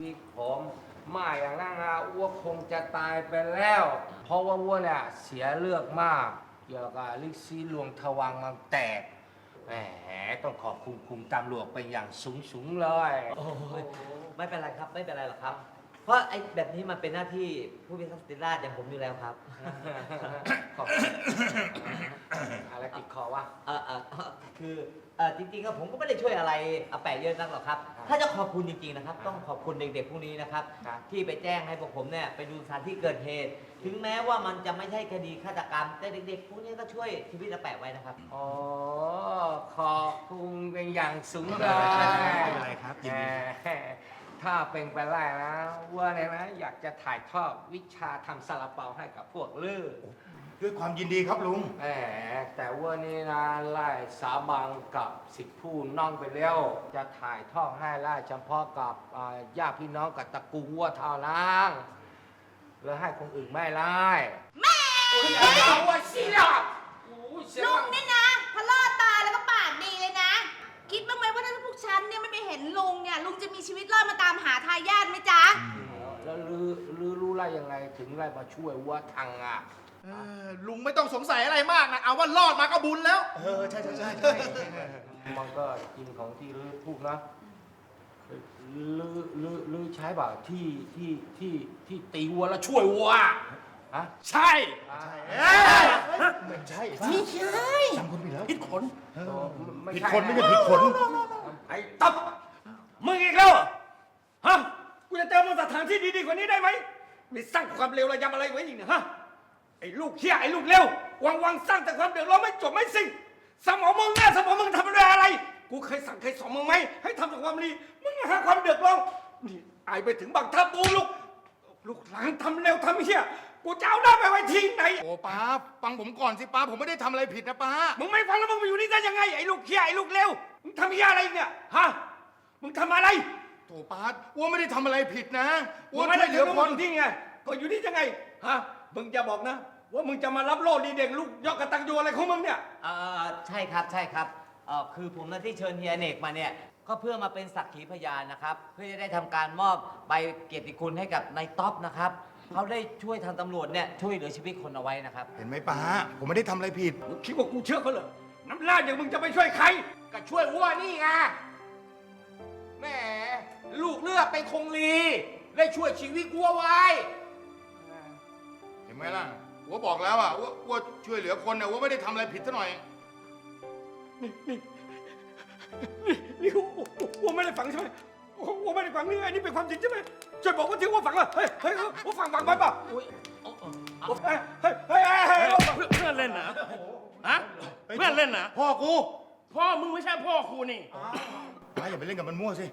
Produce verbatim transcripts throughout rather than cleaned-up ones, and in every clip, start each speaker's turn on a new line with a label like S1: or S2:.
S1: ที่ผมมาอย่างนั้นนะอ้วคงจะตายไปแล้ว เพราะว่าอ้วเนี่ยเสียเลือดมาก เกี่ยวกับลิซีลวงทวังมันแตกแหมต้องขอบคุณคุมตำรวจเป็นอย่างสูงสูงเลย
S2: โอ้ยไม่เป็นไรครับไม่เป็นไรหรอกครับ เพราะไอ้แบบนี้มันเป็นหน้าที่ผู้พิทักษ์สันติราษฎร์อย่างผมอยู่แล้วครับ
S1: ขอบคุณอะไรติดคอวะ
S2: เออเออคือเออจริงๆก็ผมก็ไม่ได้ช่วยอะไรอาแปะเยอะนักหรอกครับ ถ้าจะขอบคุณจริงๆนะครับ ต้องขอบคุณเด็กๆพวกนี้นะครับ ที่ไปแจ้งให้พวกผมเนี่ยไปดูสถานที่เกิดเหตุ ถึงแม้ว่ามันจะไม่ใช่คดีฆาตกรรม แต่เด็กๆพวกนี้ก็ช่วยชีวิตอาแปะไว้นะครับ
S1: อ๋อขอบคุณเป็นอย่างสูงเลย
S3: ไม่เป็นไรครับยินดี
S1: แหมถ้าเป็นไปได้นะว่าเนี่ยนะอยากจะถ่ายทอดวิชาทำซาลาเปาให้กับพวกลือ
S3: ด้วยความยินดีครับลุง
S1: แหมแต่ว่านี่นะไล่สาบังกับสิทธิผู้น้องไปแล้วจะถ่ายทอดให้ไล่เฉพาะกับอ่าญาติพี่น้องกับตระกูลวัวเท่านั้นแล้วให้คนอื่นไม่ไล่แม่เอาวะสิล่ะโอ้ยเสีย
S4: ลุ
S1: ง
S4: งนี่นะพะล่อตาแล้วก็ปากดีเลยนะ คิดบ้างไหมว่าถ้าพวกฉันเนี่ยไม่ไปเห็นลุงเนี่ยลุงจะมีชีวิตรอดมาตามหาทายาทไหมจ๊ะ
S1: แล้วลือลือรู้ไล่ยังไงถึงไล่มาช่วยวัวทังอ่ะ
S5: เออลุงไม่ต้องสงสัยอะไรมากนะ เอาว่ารอดมาก็บุญแล้ว
S3: เออ ใช่ใช่ใช่ใช่
S1: มันก็จริงของที่ลือพูดนะลือลือลือใช้แบบที่ที่ที่ที่ตีวัวแล้วช่วยวัวฮะ
S5: ใช่
S1: อ่า
S3: ไม่ใช่
S5: ไม่ใช่
S3: จำคนผิดแล้ว
S5: ผิดขน
S3: เออ
S1: ไม่
S3: ผิด
S1: ใช่
S3: คนไม่ใช่ผิดขน
S5: ไอ้ตับมึงอีกแล้วเหรอฮะ กูจะเจอมึงสถานที่ดีๆกว่านี้ได้ไหมนี่สร้างความเลวระยำอะไรไว้อีกเนี่ยฮะ ไอ้ลูกเหี้ยไอ้ลูกเลววังวังๆสร้างแต่ความเดือดร้อนไม่จบไม่สิ้นสมองมึงหน้าสมองมึงทำอะไรอะไร กูเคยสั่งเคยสอนมึงไหมให้ทำแต่ความดี มึงหาความเดือดร้อนนี่ไอายไปถึงบางทับตูลูก ลูกหลานทำเร็วทำเหี้ย กูจะเอาหน้าไปไว้ที่ไหน
S3: โอ้ป้าฟังผมก่อนสิป้าผมไม่ได้ทำอะไรผิดนะป้า
S5: มึงไม่ฟังแล้วมึงมาอยู่นี่ได้ยังไงไอ้ลูกเหี้ยไอ้ลูกเลวมึงทำเหี้ยอะไรเนี่ยฮะ มึงทำอะไร
S3: โถป้าอ้วไม่ได้ทำอะไรผิดนะอ้
S5: มึ
S3: ว
S5: งไม่
S3: ช่
S5: ได้
S3: วยเห
S5: เห
S3: ลื
S5: ลื
S3: อ
S5: อ
S3: ค
S5: คน นที่ไง ก็อยู่นี่ยังไงฮะ มึงจะบอกนะ ว่ามึงจะมารับโล่ดีเด่นลูกยอดกตัญญูอะไรของมึงเนี่ย
S2: เอ่อใช่ครับใช่ครับเอ่อคือผมนะที่เชิญเฮียเนกมาเนี่ยก็เพื่อมาเป็นสักขีพยานนะครับ เพื่อจะได้ทำการมอบใบเกียรติคุณให้กับนายท็อปนะครับเขาได้ช่วยทางตำรวจเนี่ยช่วยเหลือชีวิตคนเอาไว้นะครับ
S3: เห็นไหมป้าผมไม่ได้ทำอะไรผิด
S5: มึงคิดว่ากูเชื่อเขาเหรอ น้ำลาดอย่างมึงจะไปช่วยใคร
S1: ก็ช่วยวัวนี่ไงแหมลูกเลือดเป็นคงลีได้ช่วยชีวิตวัวไว้
S3: เห็นไหมล่ะอ้วบอกแล้วอ่ะอ้วอ้วช่วยเหลือคนเนี่ยอ้วไม่ได้ทำอะไรผิดซะหน่อย
S5: นี่นี่นี่นี่กูกูไม่ได้ฟังใช่ไหมกูไม่ได้ฟังนี่ไงนี่เป็นความจริงใช่ไหมช่วยบอกว่าที่ว่าฟังอ่ะเฮ้ยเฮ้ยว่าฟังฟังไปป่ะเฮ้ยเฮ้ยเฮ้ยเฮ้ยเฮ้ย
S6: เพื่อนเพื่อนเล่นนะฮะเพื่อนเล่นนะ
S3: พ่อกู
S6: พ่อมึงไม่ใช่พ่อครูนี่
S3: ป้าอย่าไปเล่นกับมันมั่วสิ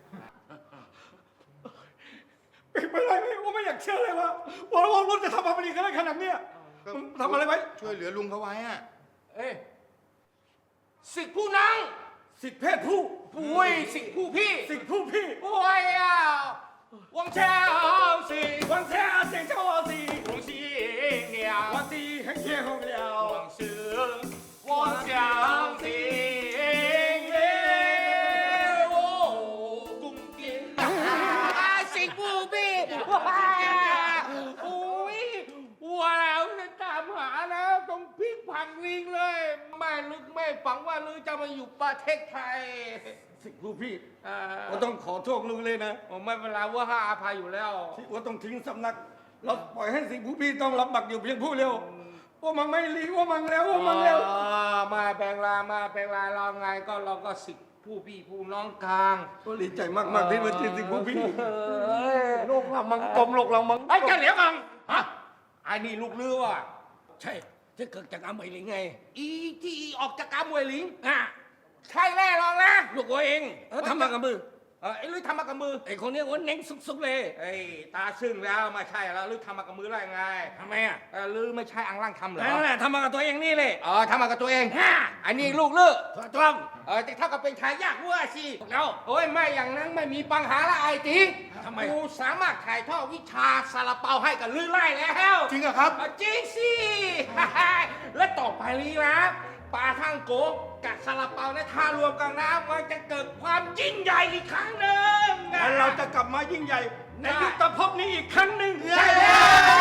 S5: เป็นไรไม่ว่าไม่อยากเชื่อเลยว่าว่าว่ารุ่นจะทำอะไรดีขนาดเนี้ยมึงทำอะไรไว้
S3: ช่วยเหลือลุงเขาไว้อ่ะ
S1: เอ้ยสิทธิผู้นัง
S5: สิทธิเพศผู้
S1: ปุ้ยสิทธิผู้พี่
S5: สิทธิผู้พี่
S1: ปุ้ยอ่ะวังเช้าสิ
S5: วันแท้เสียงเจ้าสี
S1: วังสีเหนียว
S5: วันตีให้เที่ยงแล้ว
S1: วังเสือวังเช้าสิเอโอกุ้งกินสิทธิผู้พี่ว้าอุ้ยวัวแล้วจะตามหาแล้วต้องพลิกผันวิ่งเลยไม่ลึกไม่ฝังว่าลือจะมาอยู่ประเทศไทย
S5: สิทธิผู้พี่
S1: อ่า
S5: ก็ต้องขอโทษลุงเลยนะ
S1: ผมไม่เป็นไรว่าให้อภัยอยู่แล้ว
S5: ที่ว่าต้องทิ้งสำนักเราปล่อยให้สิทธิผู้พี่ต้องรับบักอยู่เพียงผู้เดียวว่ามันไม่รีว่ามันแล้วว่ามันแล้ว
S1: อ่ามาแปลงลามาแปลงลาเราไงก็เราก็สิทธิผู้พี่ผู้น้องกลาง
S5: ก็ดีใจมากๆที่มาเจอสิทธิผู้พี่
S1: เอ้ยลูกเรามังกลมลูกเรามังไอ้เจ้าเหลียวมังฮะไอ้นี่ลูกเรือว่ะ
S5: ใช่ที่เกิดจากอาเหมยหลิงไง
S1: อีที่ออกจากกามวยหลิงอ่ะใช่แน่นอนนะ
S5: ลูกวัวเองเออทำมากับมือ
S1: เออไอ้ลุยทำมากับมือ
S5: ไอ้คนนี้ว่าเน่งสุกๆเลย
S1: ไอ้ตาซึ่งแล้วไม่ใช่แล้วลุยทำมากับมือได้ไง
S5: ทำไมอ่ะ
S1: เออลือไม่ใช่อังล่างทำเหรอ
S5: นั่นแหละทำมากับตัวเองนี่เลย
S1: เออทำมากับตัวเองอันนี้ลูกเลือ
S5: ถูกต้อง
S1: เออแต่เท่ากับเป็นทายาทวัวสิ
S5: แล้ว
S1: โอ้ยไม่อย่างนั้นไม่มีปัญหาละไอ้ติง
S5: ทำไม
S1: กูสามารถถ่ายทอดวิชาซาลาเปาให้กับลือไล่แล้ว
S3: จริงเหรอครับ
S1: อ่ะจริงสิ และต่อไปนี้นะปลาท่างโก
S5: กับซาลาเปาและทารวมกันนะมันจะเกิดความยิ่งใหญ่อีกครั้งหนึ่งและเราจะกลับมายิ่งใหญ่ในยุคตภพนี้อีกครั้งหนึ่งใช่แล้ว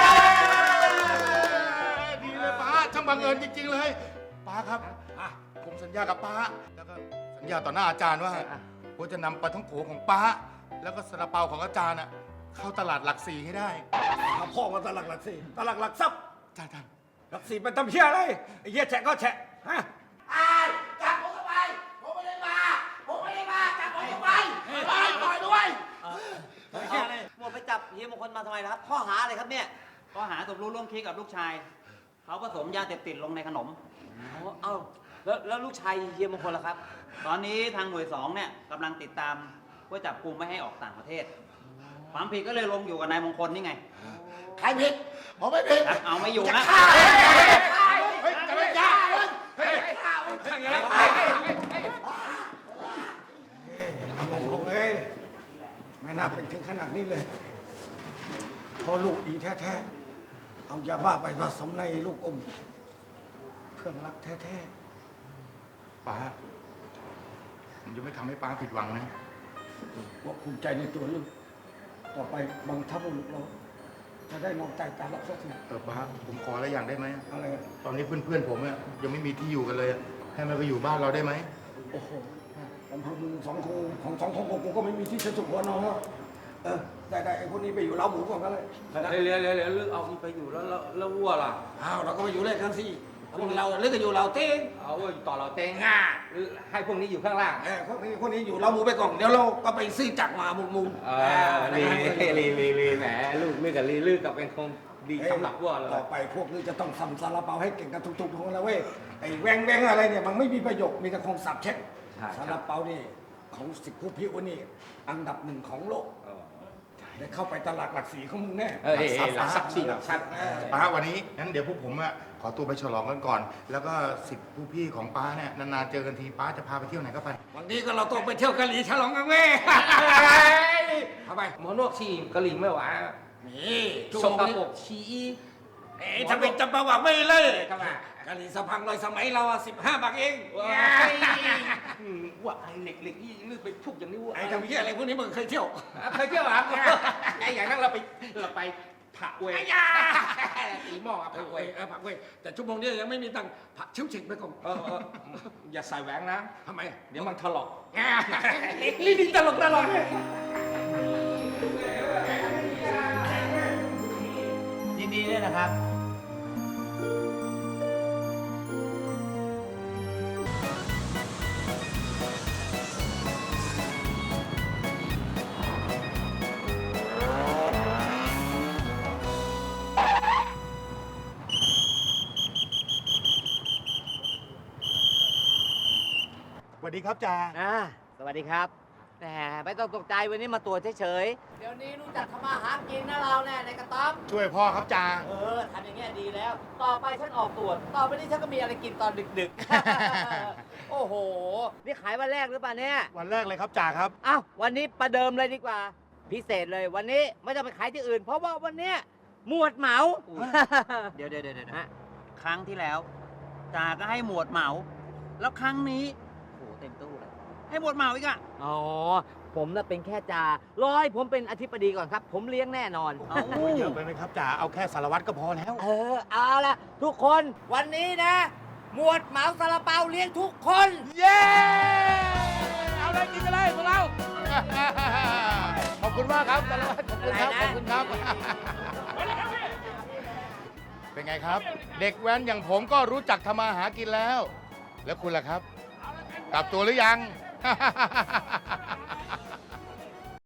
S3: ดีเลยป้าช่างบังเอิญจริง ๆ เลยป้าครับผมสัญญากับป้าแล้วก็สัญญาต่อหน้าอาจารย์ว่าผมจะนำปลาท่องโกของป้า แล้วก็ซาลาเปาของอาจารย์อ่ะเข้าตลาดหลักสี่ให้ได้
S5: ถ้าพ่อมาตลาดหลักสี่ตลาดหลักทรัพย์
S3: อาจารย์อาจารย์
S5: หลักสี่เป็นตำเพี้ยอะไรไอ้เหี้ยแฉะก็แฉะฮะ
S1: จับผมเข้าไป ผมไม่ได้มา ผมไม่ได้มา จับผมเข้าไปไปปล่อยด้วย
S2: หมดไปจับเฮียมงคลมาทำไมนะครับข้อหาอะไรครับเนี่ย
S7: ก็หาสมรู้ร่วมคิดกับลูกชาย เขาผสมยาเสพติดลงในขนม
S2: อ๋อเอ้าแล้วแล้วลูกชายเฮียมงคลล่ะครับ
S7: ตอนนี้ทางหน่วยสองเนี่ยกำลังติดตามเพื่อจับกลุ่มไม่ให้ออกต่างประเทศ ความผิดก็เลยลงอยู่กับนายมงคลนี่ไง
S1: ใครผิด ผมไม่ผิด
S7: เอาไม่อยู่นะ
S3: เฮ้ยจะไม่ยากเฮ้ย
S5: โอ้โหเอ้ยไม่น่าเป็นถึงขนาดนี้เลยเพราะลูกดีแท้ๆเอายาบ้าไปผสมในลูกอมเพื่อนรักแท้
S3: ป้าผมจะไม่ทำให้ป้าผิดหวังนะ
S5: ๆว่าภูมิใจในตัวลูกต่อไปบางทัพลูกเราจะได้มองใจการรับสักที
S3: เออป้าผมขออะไรอย่างได้ไหม
S5: อะไรกัน
S3: ตอนนี้เพื่อนๆผมเนี่ยยังไม่มีที่อยู่กันเลยอะให้มันไปอยู่บ้านเราได้ไหม
S5: โอ้โหลำพังมึงสองคงของสองคงกูก็ไม่มีที่จะสุขหัวนอนแล้วเออได้ได้ไอ้พวกนี้ไปอยู่เล้าหมูก่อนก็เลย
S8: เดี๋ยวเดี๋ยวเดี๋ยวเลือกเอาไปอยู่แล้วแล้วแล้ววัวล่ะ
S5: อ้าวเราก็ไปอยู่ด้วยกันสิพวกเราเลือกกันอยู่เราเต้ง
S8: เอาไว้ต่อเราเตงอ่ะหรือให้พวกนี้อยู่ข้างล่าง
S5: เออพวกนี้พวกนี้อยู่เล้าหมูไปก่อนเดี๋ยวเราก็ไปซื้อจักรมามุมมุม
S8: เออลีลีลีลีแหมลูกเลือกกับลีเลือกกับเป็นคงดีสำหรับวัวเลย
S5: ต่อไปพวกนี้จะต้องทำซาลาเปาให้เก่งกันทุกๆคนแล้วเว้ยไอ้แวงแวงอะไรเนี่ยมันไม่มีประโยชน์มีแต่คงสับเช็คซาลาเปานี่ของสิบผู้พิวนี่อันดับหนึ่งของโลกได้เข้าไปตลาดหลักสีของมึงแน่
S8: เออหลักทรัพย์สิหลักทรัพย์
S3: ป้าวันนี้งั้นเดี๋ยวพวกผมอะขอตัวไปฉลองกันก่อน แล้วก็สิบผู้พี่ของป้าเนี่ยนานๆเจอกันทีป้าจะพาไปเที่ยวไหนก็ไป
S5: วันนี้ก็เราต้องไปเที่ยวกะหรี่ฉลองกันเว้ยเข้าไป
S8: หมอนวกชีกะหรี่ไม่หวาน
S5: นี่
S8: สกปรกชี
S5: เอ๊ะถ้าเป็นจำปาว่าไม่เลย
S8: เข้ามาก
S5: ะหรี่สะพังลอยสมัยเราสิบห้าบาทเอง
S8: ว่าไอ้เหล็กเหล็กนี่เลือกไปทุกอย่างนี้วัว
S5: ไอ้ทำเหี้ยอะไรพวกนี้มึงเคยเที่ยว
S8: เคยเที่ยวเหรอไอ้อย่างนั้นเราไปเราไปผักเวตีหม้อ
S5: ผั
S8: ผั
S5: ก
S8: ก
S5: เว้
S8: เวย
S5: เออผักเว้ยแต่ชั่วโมงนี้ยังไม่มีตังค์ผักชิวฉิกไปก่อน
S8: เออเอออย่าใส่แหวนนะ
S5: ทำไม
S8: เดี๋ยวมันถลอก
S5: นี่ดีตลกตลกเลย
S2: ยินดีด้วยนะครับ
S3: สวัสดีครับจ่า
S2: อ่าสวัสดีครับแหมไม่ต้องตกใจวันนี้มาตรวจเฉยๆ เดี๋ยวนี้รู้จักทำมาหากินนะเราแน่ในกระต๊อบ
S3: ช่วยพ่อครับจ่า
S2: เออทำอย่างเงี้ยดีแล้ว ต่อไปฉันออกตรวจ ต่อไปนี้ฉันก็มีอะไรกินตอนดึกๆ โอ้โห นี่ขายวันแรกหรือเปล่าเนี่ย
S3: วันแรกเลยครับจ่าครับ
S2: อ้าววันนี้ประเดิมเลยดีกว่า พิเศษเลยวันนี้ไม่ต้องไปขายที่อื่น เพราะว่าวันเนี้ยหมวดเหมา
S7: เดี๋ยวเดี๋ยวเดี๋ยวเดี๋ยวฮะครั้งที่แล้วจ่าก็ให้หมวดเหมา แล้วครั้งนี้โอ้โหเต็มตู้เลย ให้หมวดเหมาอีกอะ
S2: อ๋อ ผมน่ะเป็นแค่จ่ารอให้ผมเป็นอธิบดีก่อนครับ ผมเลี้ยงแน่นอน
S7: เอา
S3: เยอะไปไหมครับจ่า เอาแค่สารวัตรก็พอแล้ว
S2: เออ เอาละทุกคนวันนี้นะ หมวดเหมาซาลาเปาเลี้ยงทุกคน
S3: เย้ เอาเลยกินกันเลยพวกเรา ขอบคุณมากครับสารวัตรขอบคุณครับ
S2: อะไรนะ
S3: ขอบคุณครับ เป็นไงครับ เด็กแว้นอย่างผมก็รู้จักทำมาหากินแล้ว แล้วคุณล่ะครับ กลับตัวหรือยัง